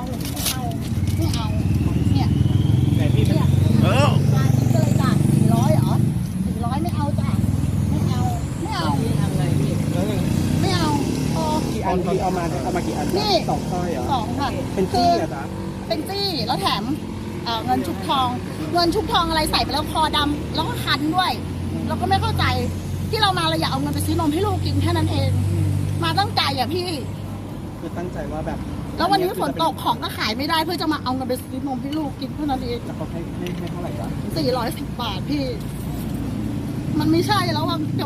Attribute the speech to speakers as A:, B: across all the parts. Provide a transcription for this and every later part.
A: ไม่เอาเนี่ย
B: แต่พี่
A: เนี่ย มาคิดเลยจ้ะ400เหรอ400ไม่เอาจ้ะไม่เอา
B: ทำไงพี่แล้วยัง
A: ไม่เอาพอ
B: กี่อันพี่เอามากี่อัน
A: นี่
B: 2 สร้อยเหรอ
A: 2ค่ะ
B: เป็นจี้เหรอจ๊ะ
A: เป็นจี้แล้วแถมเงินชุบทองอะไรใส่ไปแล้วคอดำแล้วก็คันด้วย เราก็ไม่เข้าใจที่เรามาเราอยากเอาเงินไปซื้อนมให้ลูกกินแค่นั้นเอง มาตั้งใจอ่ะพี่
B: คือตั้งใจว่าแบบ
A: แล้ววันนี้ฝนตกของก็ขายไม่ได้เพื่อจะมาเอาเงินไปซื้อนมให้ลูกกินเท่านั้นเอง
B: แล้วเขาให้เท่าไหร่จ๊ะ
A: 410 บาทพี่ มันไม่ใช่แล้วว่าเกือบ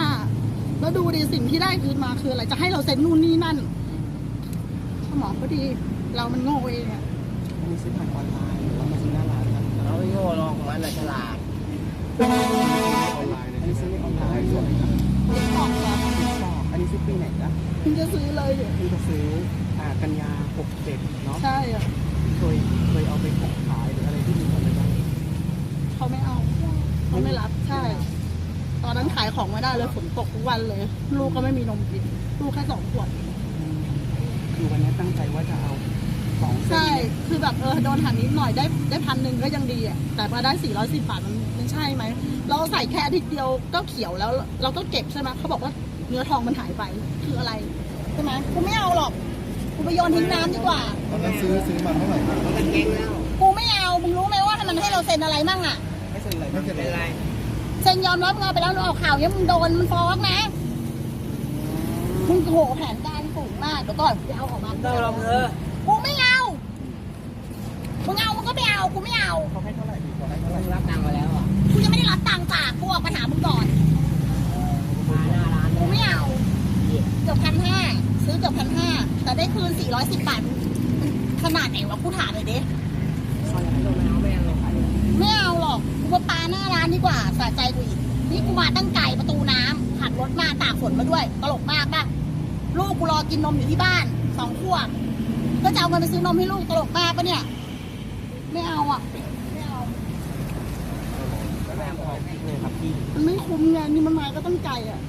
A: 1,500แล้วดูดิสิ่งที่ได้คืนมาคืออะไรจะให้เราเซ็นนู่นนี่นั่นสมองก็ดีเรามันโง่เองอะ
B: อันนี้ซื้อผ่านออนไลน์หรือว่ามาซื้อหน้าร้านครับ
C: เราไม่โง่หรอกมันน่ะฉลาด
B: ออนไลน์อันนี้ซื้อในออนไลน์ส่วน
A: ของเหรอ
B: อันนี้ซื้อปีไหนจ๊ะ
A: เพิ่งจะซื้อเลยเนี่ย
B: พี่จะซื้อกันยา67เนาะ
A: ใช่อะ
B: เคยเอาไปขายหรืออะไรที่มีคนไปบ้าง
A: เขาไม่เอาเขาไม่รับใช่ ตอนนั้นขายของไม่ได้เลยฝนตกทุกวันเลย ลูกก็ไม่มีนมกินลูกแค่2 ขวด
B: คือวันนี้ตั้งใจว่าจะเอา2 เส้น
A: ใช่คือแบบโดนหันนิดหน่อยได้1,000ก็ยังดีอ่ะแต่มาได้410 บาทมันใช่ไหมเราใส่แค่อาทิตย์เดียวก็เขียวแล้วเราก็เก็บใช่ไหมเขาบอกว่าเนื้อทองมันหายไปคืออะไรใช่ไหมกูไม่เอาหรอกกูไปโยนทิ้งน้ำดีกว่า
B: ตอนนั้นซื้อมาเท่าไหร่ครับ
C: มันก็เก่งแล้ว
A: กูไม่เอามึงรู้ไหมว่ามันให้เราเซ็นอะไรมั่งอ่ะ
B: ไม่เซ็นอะไรไม่เซ็น
C: เป็น
B: อะไร
C: ไร
A: เซ็นยอมรับเงินไปแล้วเอาข่าวเนี้ยมึงโดนมันฟ้องนะมึงโหแผนการสูงมากเดี๋ยวก่อนจะเอาออกมา
C: ต้องลองเธอ
A: กูไม่เอามึงเอามึงก็ไม่เอากูไม่เอา
B: เขาให้เท่าไหร่ดีกว่าให้เท่าไหร่
C: รับตังค์มาแล้วอ่ะ
A: กูยังไม่ได้รับตังค์จากกูออกมาหามึงก่อน
C: มาหน้าร้าน
A: กูไม่เอาเกือบ1,500ซื้อเกือบ1,500แต่ได้คืน410 บาทขนาดไหนวะกูถามเลยดิ
C: ซอยโดนมาเอาไม่เอาหรอก
A: ไม่เอาหรอกกูมาปาหน้าร้านดีกว่าสะใจกูอีกนี่กูมาตั้งไก่ประตูน้ำขับรถมาตากฝนมาด้วยตลกมากป่ะลูกกูรอกินนมอยู่ที่บ้าน2 ขวบก็จะเอาเงินไปซื้อนมให้ลูกตลกมากปะเนี่ยไม่เอาอ่ะไม่เอา
B: แล้วแรงพอเลยครับพี่
A: มันไม่คุ้มไงนี่มันมาก็ตั้งใจอ่ะ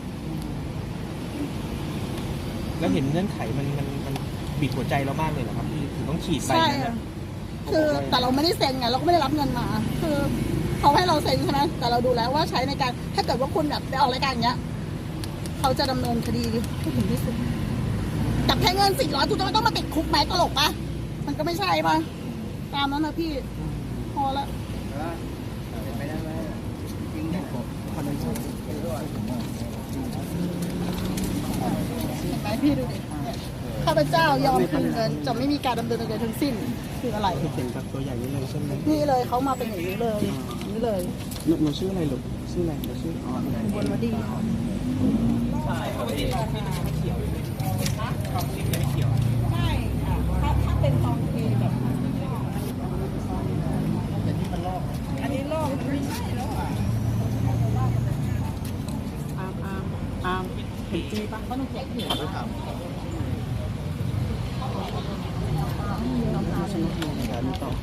B: แล้วเห็นเงื่อนไขมันบีบหัวใจเรามากเลยเหรอครับพี่ถึงต้องฉีดไป
A: ใช่
B: นะ
A: อะคือแต่เราไม่ได้เซ็นไงเราก็ไม่ได้รับเงินมา คือเขาให้เราเซ็นใช่ไหมแต่เราดูแล้วว่าใช้ในการถ้าเกิดว่าคุณแบบไปออกรายการอย่างเงี้ยเขาจะดำเนินคดีให้ถึงที่สุดจับแค่เงิน400กูจะไม่ต้องมาติดคุกไหมตลกปะมันก็ไม่ใช่ปะตามนั้นนะพี่พอละ
C: เป็นไปได้ไหมจริงเนี่ย
B: คอนเนคชั่น
C: เป็นด้วย
A: เห็นไหมพี่ดูดิข้าพเจ้ายอมคืนเงินจะไม่มีการดำเนินคดีทั้งสิ้นคืออะไร
B: เขียนแบบตัวใหญ่นี้เลยใช่ไหม
A: นี่เลยเขามาเป็นอย่างนี้เลยอย่างนี้เลย
B: หนูชื่ออะไรลูกชื่ออะไรหนูชื่ออ๋อบ
A: นวดี
B: ใช่ครับพี่ไม่เขียวความจริงไม่เขียว
A: ไม่ค่ะถ้าเป็นทองเทแบบ
B: แต่ที่มันลอก
A: อันนี้โลกมันไม่ใช่แล้วอ่ะ
B: อาร์มเป็นจี้ปะ
A: เขาต้องแจกเขียว
B: ไม่ถามฉันต้องมีการต่อ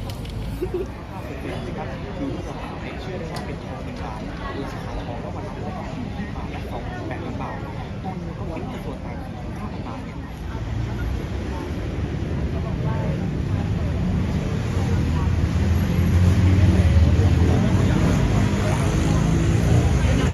B: ครับคือที่เราเชื่อได้ว่าเป็นทองเป็นบาทคือสาขาทองก็มาทำได้ที่บาทละ2 8